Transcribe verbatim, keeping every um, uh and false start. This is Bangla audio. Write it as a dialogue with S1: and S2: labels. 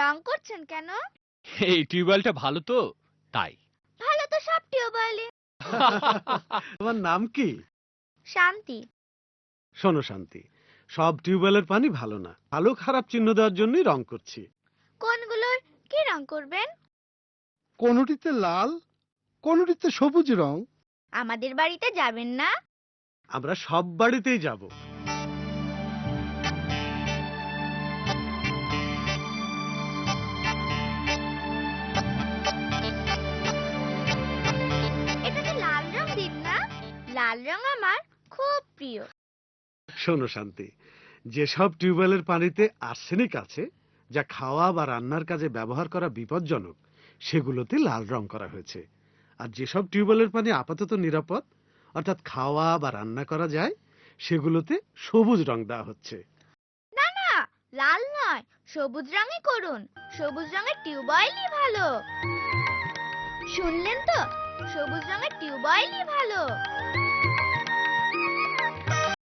S1: রং করছেন কেন?
S2: এই টিউবওয়েলটা ভালো তো তাই।
S1: ভালো তো সব টিউবওয়েলই।
S3: তোমার নাম কি?
S1: শান্তি।
S3: শোনো শান্তি, সব টিউবওয়েলের পানি ভালো না, ভালো খারাপ চিহ্ন দেওয়ার জন্যই রং করছি।
S1: কোনগুলোর কি রং করবেন?
S4: কোনটিতে লাল, কোনটিতে সবুজ রং।
S1: আমাদের বাড়িতে যাবেন না?
S3: আমরা সব বাড়িতেই যাব।
S1: এটাতে লাল রং দিন না, লাল রং আমার খুব প্রিয়।
S3: শোনো শান্তি, যেসব টিউবওয়েলের পানিতে আর্সেনিক আছে, যা খাওয়া বা রান্নার কাজে ব্যবহার করা বিপজ্জনক, সেগুলোতে লাল রং করা হয়েছে। আর যেসব টিউবওয়েলের পানি আপাতত নিরাপদ, অর্থাৎ খাওয়া বা রান্না করা যায়, সেগুলোতে সবুজ রং দেওয়া হচ্ছে।
S1: না না, লাল নয়, সবুজ রঙই করুন। সবুজ রঙের টিউবওয়েলই ভালো। শুনলেন তো, সবুজ রঙের টিউবওয়েলই ভালো।